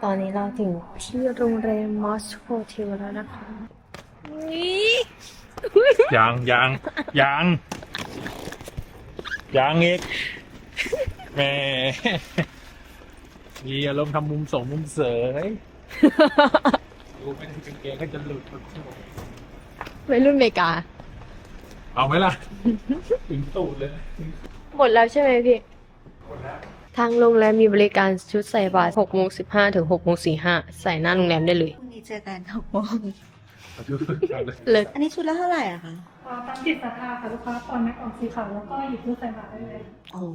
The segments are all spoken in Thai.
ตอนนี้เราถึงที่โรงแรมมอสโฮเทลแล้วนะคะนี่ยังอีกแหม่มีอารมณ์ทำมุมสองมุมเสยดูไม่ได้กางเกงก็จะหลุดวัยรุ่นอเมริกาเอาไหมล่ะ ถึงตูดเลยหมดแล้วใช่ไหมพี่หมดแล้วทางโรงแรมมีบริการชุดใส่บาตร6:15 ถึง6:45ใส่หน้าโรงแรมได้เลยพรุ่งนี้เจอกัน6 โมงเลิศอันนี้ชุดละเท่าไหร่อะคะตามจิตศรัทธาค่ะลูกค้าตอนแม็กออกสีขาวแล้วก็หยิบเพื่อใส่บาตรได้เลยโอ้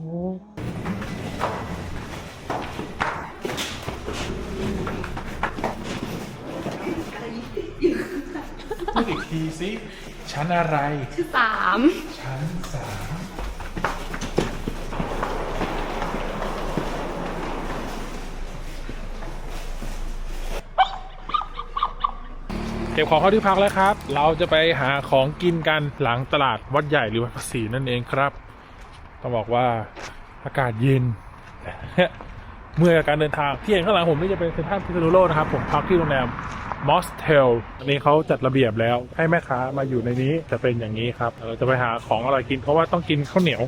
พูดอีกทีสิชั้นอะไร 3 ชั้น 3เก็บของเข้าที่พักแล้วครับ เราจะไปหาของกินกันหลังตลาดวัดใหญ่หรือวัดภาษีนั่นเองครับต้องบอกว่าอากาศเย็น เมื่อการเดินทางที่เห็นข้างหลังผมนี่จะเป็นเซ็นทรัลพิษณุโลกนะครับผมพักที่โรงแรมมอสเทลอันนี้เขาจัดระเบียบแล้วให้แม่ค้ามาอยู่ในนี้จะเป็นอย่างนี้ครับเราจะไปหาของอร่อยกินเพราะว่าต้องกินข้าวเหนียว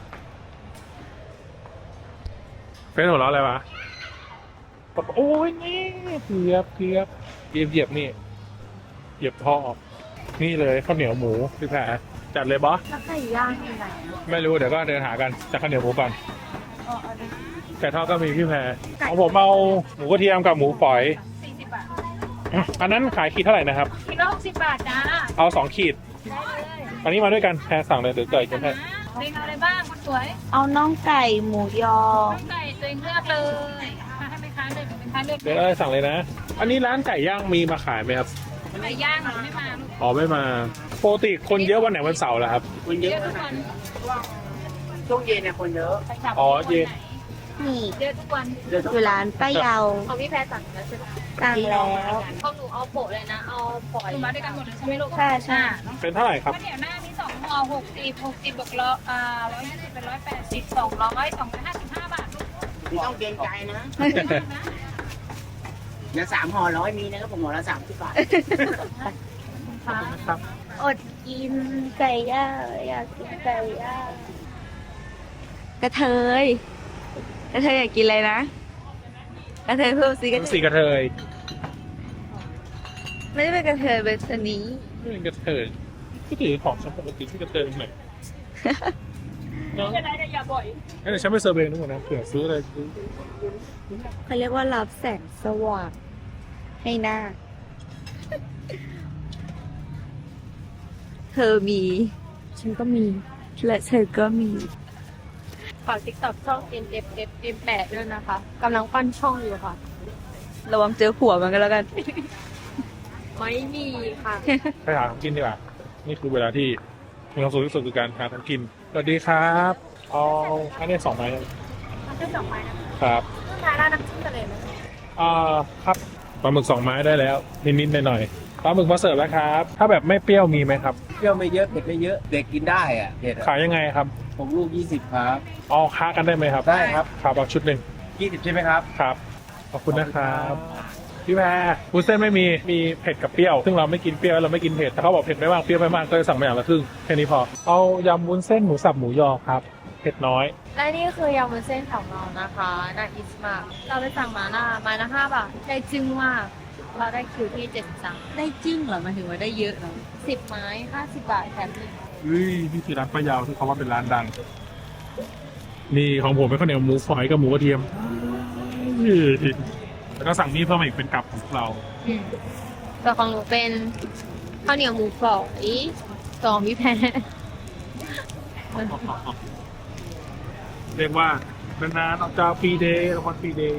เป็นหัวเราะอะไรวะบอกโอ้ยนี่เหยียบนี่เหยียบท่อนี่เลยข้าวเหนียวหมูพี่แพรจัดเลยบอสแล้วไก่ย่างที่ไหนไม่รู้เดี๋ยวก็เดินหากันจากข้าวเหนียวหมูก่อนไก่ทอดก็มีพี่แพรของผมเอาหมูกระเทียมกับหมูฝอย 40 บาทอันนั้นขายขีดเท่าไหร่นะครับกิโล60 บาทจ้าเอา2 ขีดได้เลยอันนี้มาด้วยกันแพรสั่งเลยเดี๋ยวเกิดกันแพรเล็งเอาอะไรบ้างคนสวยเอาน่องไก่หมูยอน้องไก่ตัวเองเลือกเลยให้แม่ค้าเลือกแม่ค้าเลือกเดี๋ยวอะไรสั่งเลยนะ อันนี้ร้านไก่ย่างมีมาขายไหมครับไก่ย่างหนูไม่มาลูกอ๋อไม่มาปกติคนเยอะวันไหนวันเสาร์เหรอครับเยอะทุกวันช่วงเย็นเนี่ยคนเยอะไปจับอ๋อเย็นนี่เยอะทุกวันอยู่ร้านป้าเยาของพี่แพรสั่งแล้วใช่ไหมสั่งแล้วของหนูเอาโปะเลยนะ เอาฝอยหนูมาด้วยกันหมดเลยใช่ไหมลูกใช่ใช่เป็นเท่าไหร่ครับข้าวเหนียวหน้ามี2 ห่อ60บวก120เป็น180 255 บาทลูกไม่ต้องเกรงใจนะเดี๋ยว3 ห่อ100มีนะครับผมห่อละ30 บาทครับอดกินไก่ย่างอยากกินไก่ย่างกระเทยอยากกินอะไรนะกระเทยเพิ่มสิกระเทสียกระเทยไม่ได้เป็นกระเทยเป็นชนีไม่เป็นกระเทยที่ถือของฉันปกติที่กระเทยตรงไหนเนาะไม่เป็นไรแต่อย่าบ่อยงั้นเดี๋ยวฉันไปเซอร์เวย์นู่นนะเผื่อซื้ออะไรซื้อเขาเรียกว่ารับแสงสว่างให้หน้า เธอมีฉันก็มีและเธอก็มีฝาก TikTok ช่อง NFFM8 ด้วยนะคะกำลังปั้นช่องอยู่ค่ะระวังเจอผัวมันก็แล้วกันไม่มีค่ะไปหาของกินดีกว่า นี่คือเวลาที่มีความสุขที่สุดคือการหาของกิน สวัสดีครับเอาอันนี้2 ไม้มันจะ2 ไม้นะครับต้องทานร้านน้ำจิ้มทะเลไหมครับปลาหมึก2 ไม้ได้แล้ว นิดๆหน่อยๆปลาหมึกมาเสิร์ฟแล้วครับ ถ้าแบบไม่เปรี้ยวมีไหมครับเปรี้ยวไม่เยอะเผ็ดไม่เยอะ เด็กกินได้อะเผ็ดขายยังไงครับผมลูก20ครับเอาค้ากันได้ไหมครับได้ครับครับเอาชุดหนึ่ง 20ใช่ไหมครับครับ ขอบคุณนะครับพี่แพรวุ้นเส้นไม่มีเผ็ดกับเปรี้ยวซึ่งเราไม่กินเปรี้ยวเราไม่กินเผ็ดแต่เขาบอกเผ็ดไม่มากเปรี้ยวไม่มากก็เลยสั่งมาอย่างละครึ่งแค่นี้พอเอายำวุ้นเส้นหมูสับหมูยอครับเผ็ดน้อยและนี่คือยำวุ้นเส้นของเรานะคะน่าอิสมากเราไปสั่งมาไม้ละ5 บาทได้จึ้งมากเราได้คิวที่73 ได้จิ้งเหรอหมายถึงว่าได้เยอะเหรอ 10 ไม้50 บาทแถมหนึ่งนี่คือร้านป้ายาวที่เขาว่าเป็นร้านดัง นี่ของผมเป็นข้าวเหนียวหมูฝอยกับหมูกระเทียมแล้วก็สั่งนี่เพิ่มมาอีกเป็นกับของเราแต่ของหนูเป็นข้าวเหนียวหมูฝอย2พี่แพรเรียกว่านานๆออกจากฟรีเดย์วันฟรีเดย์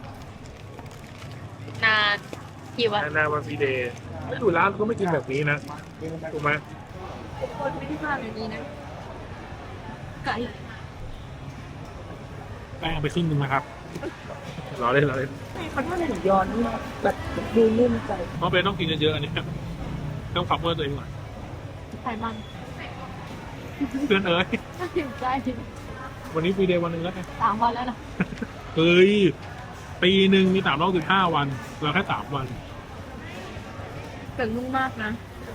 นานกี่วันนานๆวันฟรีเดย์ไม่ดูร้านก็ไม่กินแบบนี้นะถูกไหมคนไม่ได้มาแบบนี้นะไก่แป้งไปครึ่งนึงนะครับรอเล่นมันถ้าหมูยอนี่แบบดูนุ่มใจเพราะเป็นต้องกินเยอะๆอันนี้ต้องฝักเมื่อตัวเองหน่อยไขมันเพื่อนเอ๋ยถึงใจวันนี้ฟรีเดย์วันหนึงแล้วไง 3 วันแล้วนะเฮ้ยไปปีหนึ่งมี365 วันเราแค่3 วันเป็นนุ่มมากนะ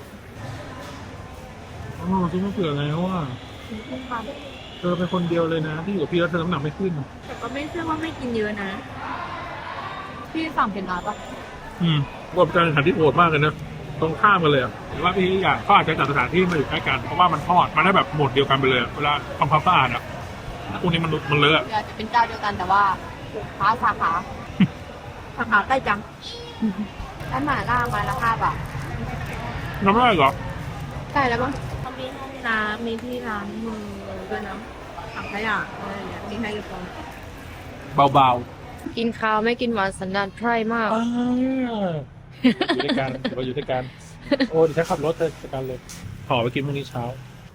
อ๋อซื้อมาเผื่อแล้วว่านุ่มค่ะเธอเป็นคนเดียวเลยนะ ที่อยู่กับพี่แล้วเธอน้ำหนักไม่ขึ้นแต่ก็ไม่เชื่อว่าไม่กินเยอะนะ พี่สั่งเป็นร้านปะว่าเป็นการแข่งขันที่โหดมากเลยนะตรงข้ามกันเลยอะหรือว่าพี่อยากเขาอาจจะจัดสถานที่มาอยู่ใกล้กันเพราะว่ามันทอดมันได้แบบหมดเดียวกันไปเลยอะเวลาทำความสะอาดอะพวกนี้มันเลอะอะเดี๋ยวจะเป็นเจ้าเดียวกันแต่ว่าค้าสาขา สาขาใกล้จังร้านหม่าล่าไม้ละ5 บาทน้ำไม่ได้เหรอใกล้แล้วมั้งเขามีห้องน้ำมีที่ล้างมือด้วยนะถังขยะอะไรอย่างเงี้ยมีให้เรียบร้อยเบากินข้าวไม่กินหวานสันดานไพร่มากๆอยู่ด้วยกันเราอยู่ด้วยกันโอ้เดี๋ยวฉันขับรถเธอจัดการเลยห่อไปกินพรุ่งนี้เช้า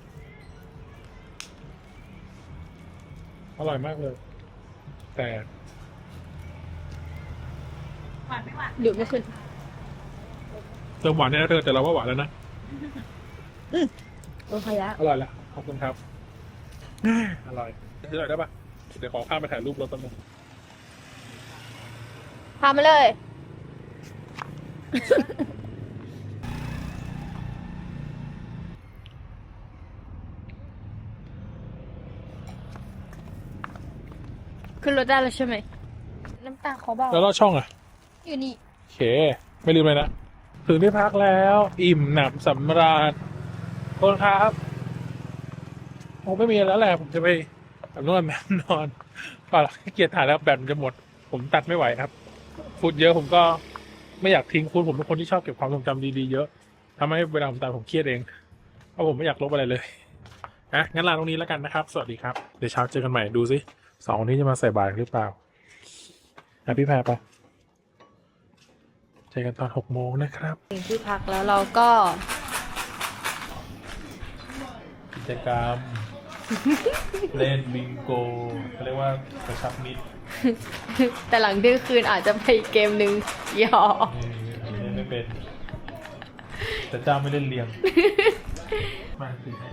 อร่อยมากเลย แต่เดี๋ยวไม่ขึ้นเติมหวานเนี่ยนะเธอแต่เราว่าหวานแล้วนะโอเคแล้วอร่อยแล้วขอบคุณครับอร่อยซื้อหน่อยได้ปะเดี๋ยวขอข้ามไปถ่ายรูปรถแป๊บนึงพามาเลย ขึ้นรถได้แล้วใช่ไหม น้ำตาเขาเบาแล้วลอดช่องอ่ะอยู่นี่โอเค ไม่ลืมเลยนะ ถึงที่พักแล้ว อิ่มหนำสำราญขอบคุณครับผมไม่มีแล้วแหละ ผมจะไปแบบนวดแบบนอนเปล่าขี้เกียจถ่ายแล้วแบตมันจะหมด ผมตัดไม่ไหวครับฟุตเยอะผมก็ไม่อยากทิ้งฟุตผมเป็นคนที่ชอบเก็บความทรงจำดีๆเยอะทำให้เวลาผมตายผมเครียดเองเพราะผมไม่อยากลบอะไรเลยนะงั้นลาตรงนี้แล้วกันนะครับ สวัสดีครับเดี๋ยวเช้าเจอกันใหม่ดูสิ2 คนนี้จะมาใส่บาตรหรือเปล่าพี่แพรไปเจอกันตอน6 โมงนะครับถึงที่พักแล้วเราก็กิจกรรม เล่นบิงโกเขาเรียกว่ากระชับมิตรแต่หลังเที่ยงคืนอาจจะไปเกมหนึ่งหยอกเล่นไม่เป็น แต่เจ้าไม่เล่นเรียง มาถือให้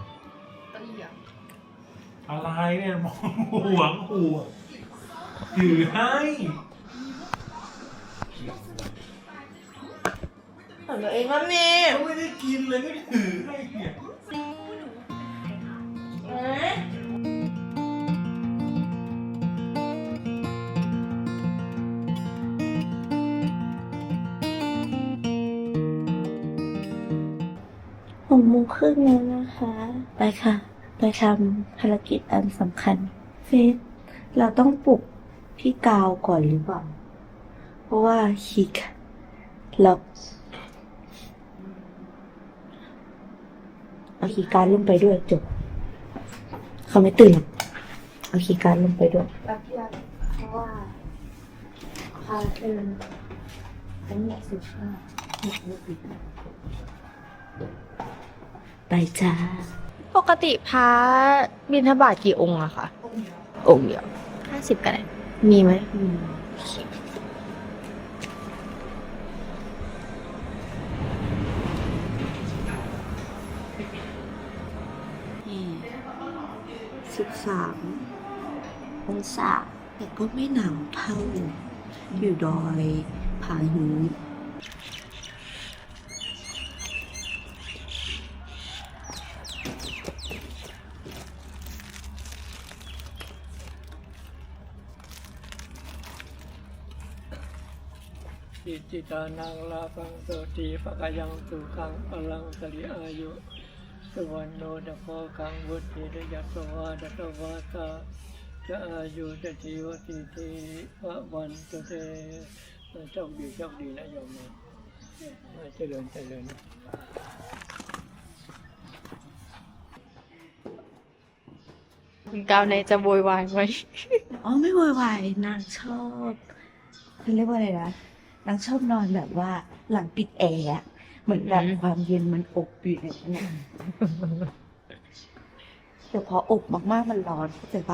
อะไรเนี่ยมองหวงหัวถือให้ของตัวเองว่าแม่ไม่ได้กินเลยก็ถือให้เนี่ย 6 โมงครึ่งแล้วนะคะ ไปค่ะ ไปทำภารกิจอันสำคัญ เฟสเราต้องปลุกพี่กาวก่อนหรือเปล่า เพราะว่าคิกล็อกเอาคีย์การ์ดลงไปด้วยจบ เขาไม่ตื่นหรอกเอาคีย์การ์ดลงไปด้วยเพราะว่าพาเดินทั้งหมดไปจ้าปกติพระบิณฑบาตกี่องค์อะคะองค์เดียว50กันเลยมีไหม 13 องศาแต่ก็ไม่หนาวเท่าอยู่ดอยผาหินอิจิตานังลาภังโสติปะกายังสุขังพลังสริอายุสุวรรณโนดะโพคังวุฒิระยัตสวาดตวาตาจะอายุจะชีวติทีพระวันตุเตโชคดีนะโยมนะเจริญคุณกาวในจะโวยวายไหมอ๋อไม่โวยวายนางชอบเขาเรียกว่าอะไรนะนางชอบนอนแบบว่าหลังปิดแอร์อะเหมือนแบบความเย็นมันอบอยู่ในนั้นแต่พออบมากๆมันร้อนเข้าใจปะ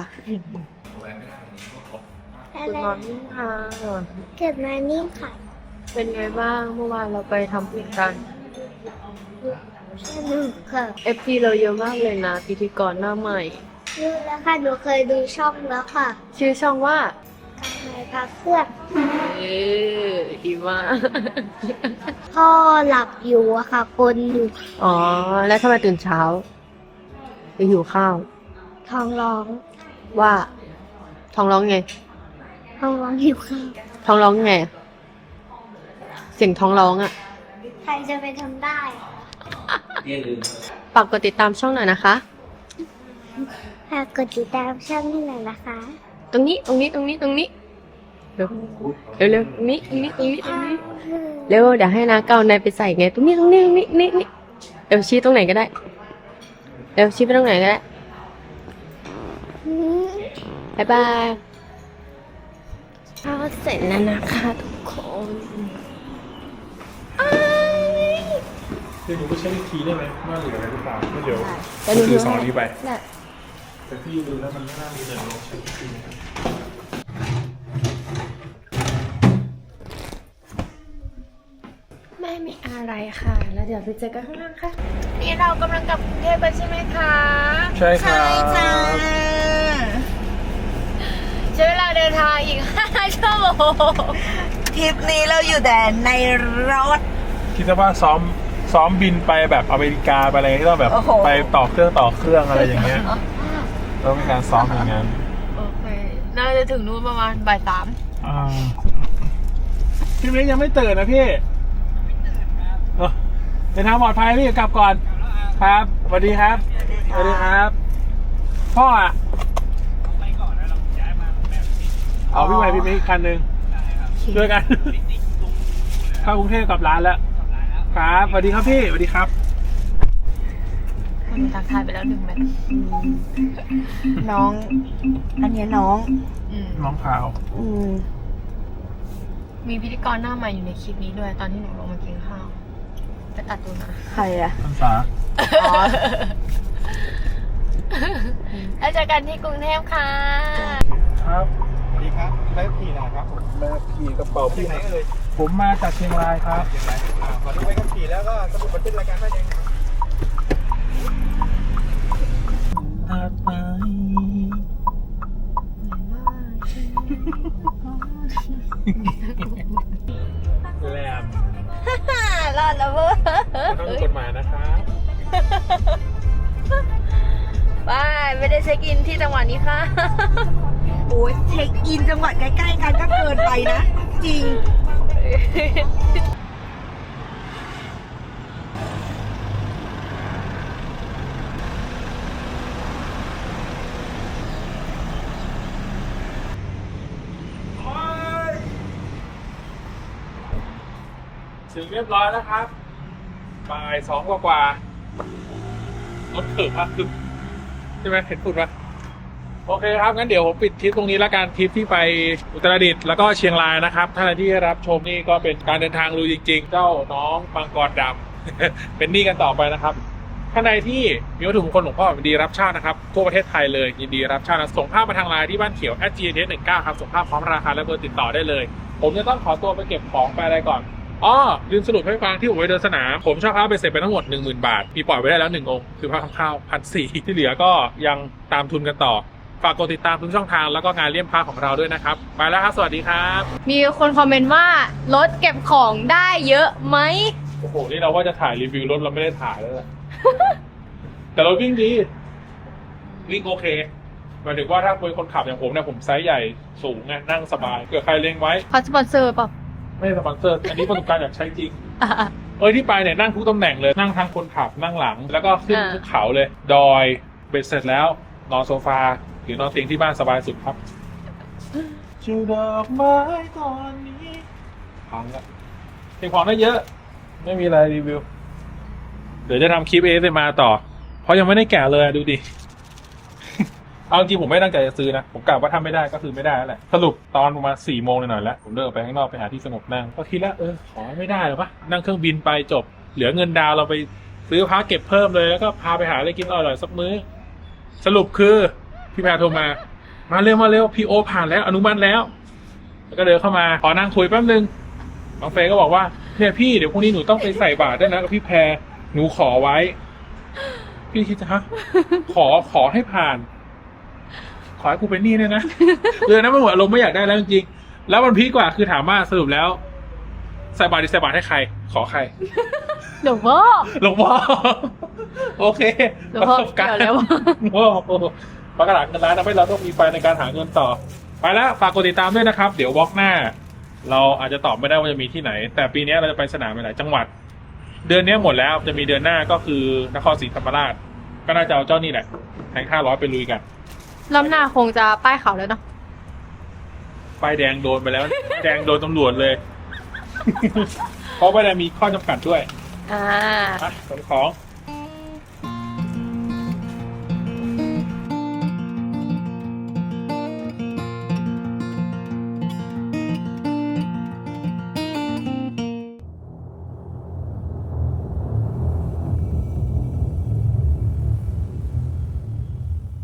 คุณนอนนิ่งค่ะเกิดมานิ่งค่ะเป็นไงบ้างเมื่อวานเราไปทำบุญกันสนุกค่ะ FP เราเยอะมากเลยนะพิธีกรหน้าใหม่รู้แล้วค่ะ หนูเคยดูช่องแล้วค่ะชื่อช่องว่าการหายพักเครื่องดีมากพ่อหลับอยู่อะค่ะกลนอยู่อ๋อ แล้วทำไมตื่นเช้าไปหิวข้าวท้องร้องว่า ท้องร้องไงท้องร้องหิวข้าวท้องร้องไง เสียงท้องร้องอ่ะใครจะไปทำได้ฝากกดติดตามช่องหน่อยนะคะฝากกดติดตามช่องให้หน่อยนะคะตรงนี้เร็วเร็วตรงนี้เร็วเดี๋ยวให้นาเก้าในายไปใส่ไงตรงนี้นี่เร็วชี้ตรงไหนก็ได้เร็วชี้ไปตรงไหนก็ได้บ๊ายบายข้าวเสร็จแล้วนะคะทุกคนเดี๋ยวหนูไปเช็คอีกทีได้ไหมว่าเหลืออะไรหรือเปล่าก็เดี๋ยวแต่หนูถือสองนี้ไปได้แต่พี่ดูแล้วมันไม่น่ามีเลยลองเช็คอีกทีนะครับไม่มีอะไรค่ะ แล้วเดี๋ยวไปเจอกันข้างล่างค่ะ นี่เรากำลังกลับกรุงเทพไปใช่ไหมคะใช่ครับใช้เวลาเดินทางอีก 5 ชั่วโมงทริปนี้เราอยู่แต่ในรถคิดว่าซ้อมบินไปแบบอเมริกาไปอะไรที่ต้องแบบโอ้โหไปต่อเครื่องอะไรอย่างเงี้ยต้องมีการซ้อมอย่างนั้นโอเค น่าจะถึงนู่นประมาณบ่ายพี่เม้งยังไม่ตื่นนะพี่เดินทางปลอดภัยพี่กลับก่อนครับสวัสดีครับสวัสดีครับ พ่ออ่ะเอาพี่ใหม่พี่เม้งอีกคันหนึ่งช่วยกันเข้ากรุงเทพกลับร้านแล้วครับสวัสดีครับพี่สวัสดีครับ 3คนทักทายไปแล้ว1 แมตช์น้อง อันเนี้ยน้องน้องขาวมีพิธีกรหน้าใหม่อยู่ในคลิปนี้ด้วย ตอนที่หนูลงมากินข้าว ไปตัดตัวนะใครอะพรรษาแล้วเจอกันที่กรุงเทพค่ะครับสวัสดีครับได้ขี่นะครับผมมาขี่กระเป๋าพี่ไหนเอ่ยผมมาจากเชียงรายครับขอดูใบขับขี่แล้วก็สมุดบันทึกรายการได้ยังแหลมรอดแล้วเว้ยต้องมีกฎหมายนะครับไม่ได้เช็คอินที่จังหวัดนี้ค่ะโอ้ยเช็คอินจังหวัดใกล้ๆกันก็เกินไปนะ จริงถึงเรียบร้อยแล้วครับบ่าย2 กว่ารถเถิบมากคือใช่ไหมเห็นฝุ่นปะโอเคครับงั้นเดี๋ยวผมปิดทริปตรงนี้แล้วกันทริปที่ไปอุตรดิตถ์แล้วก็เชียงรายนะครับท่านที่รับชมนี่ก็เป็นการเดินทางลุยจริงๆ เจ้าน้องมังกรดำ เป็นหนี้กันต่อไปนะครับท่านใดที่มีวัตถุมงคลหลวงพ่อยินดีรับเช่านะครับทั่วประเทศไทยเลยยินดีรับเช่านะส่งภาพมาทางไลน์ที่บ้านเขียว @gts19 ครับส่งภาพพร้อมราคาและเบอร์ติดต่อได้เลยผมจะต้องขอตัวไปเก็บของไปอะไรก่อนลืมสรุปให้ฟังที่ผมไปเดินสนามผมเช่าพระไปเสร็จไปทั้งหมด 10,000 บาทมีปล่อยไว้ได้แล้ว1 องค์คือพระคำข้าว1,400ที่เหลือก็ยังตามทุนกันต่อฝากกดติดตามทุกช่องทางแล้วก็งานเลี่ยมพระของเราด้วยนะครับไปแล้วครับสวัสดีครับมีคนคอมเมนต์ว่ารถเก็บของได้เยอะไหมโอ้โหนี่เราว่าจะถ่ายรีวิวรถเราไม่ได้ถ่ายแล้วแหละ แต่รถวิ่งดีวิ่งโอเคหมายถึงว่าถ้าเป็นคนขับอย่างผมเนี่ยผมไซส์ใหญ่สูงไงนั่งสบายเกิดใครเล็งไว้เขาสปอนเซอร์เปล่าไม่สปอนเซอร์อันนี้ประสบการณ์อยากใช้จริง ที่ไปเนี่ยนั่งทุกตำแหน่งเลยนั่งทางคนขับนั่งหลัง แล้วก็ขึ้นภูเขาเลย ดอยเบ็ดเสร็จแล้วนอนโซฟาหรือนอนเตียงที่บ้านสบายสุดครับจูดอกไม้ตอนนี้พังละเก็บของได้เยอะ ไม่มีอะไรรีวิว เดี๋ยวจะทำคลิปASMRต่อ เพราะยังไม่ได้แกะเลยดูดิ เอาจริงผมไม่ตั้งใจจะซื้อนะผมกะว่าทำไม่ได้ก็คือไม่ได้แล้วแหละสรุปตอนประมาณ4 โมงหน่อยๆแล้วผมเดินออกไปข้างนอกไปหาที่สงบนั่งก็คิดแล้วขอไม่ได้หรอปะนั่งเครื่องบินไปจบเหลือเงินดาวเราไปซื้อพาเก็บเพิ่มเลยแล้วก็พาไปหาอะไรกินอร่อยๆสักมื้อสรุปคือพี่แพรโทรมาเร็วพี่โอผ่านแล้วอนุมัติแล้วก็เดินเข้ามาขอนั่งคุยแป๊บนึงบางเฟยก็บอกว่าเนี่ยพี่เดี๋ยวพรุ่งนี้หนูต้องไปใส่บาตรด้วยนะกับพี่แพรหนูขอไว้พี่คิดจะฮะขอให้ผ่านขอให้กูเป็นหนี้เนี่ยนะนะมันหัวอารมณ์ไม่อยากได้แล้วจริงๆแล้วมันพีคกว่าคือถามว่าสรุปแล้วใส่บาตรดีใส่บาตรให้ใคร ขอใครหลวงพ่อหลวงพ่อ โอเคหลวงพ่อประสบการณ์เกี่ยวแล้วโอ้โหประกาศเงินล้านทำให้เราต้องมีไฟในการหาเงินต่อ ไปแล้วฝากกดติดตามด้วยนะครับ เดี๋ยววอล์กหน้า เราอาจจะตอบไม่ได้ว่าจะมีที่ไหน แต่ปีนี้เราจะไปสนามหลายจังหวัด เดือนนี้หมดแล้วจะมีเดือนหน้าก็คือนครศรีธรรมราช ก็น่าจะเอาเจ้านี่แหละแทง500ไปลุยกันรอบหน้าคงจะป้ายเขาแล้วเนาะป้ายแดงโดนไปแล้ว ป้ายแดงโดนตำรวจเลย เพราะป้ายแดงมีข้อจำกัดด้วยอ่าอ่ะขนของ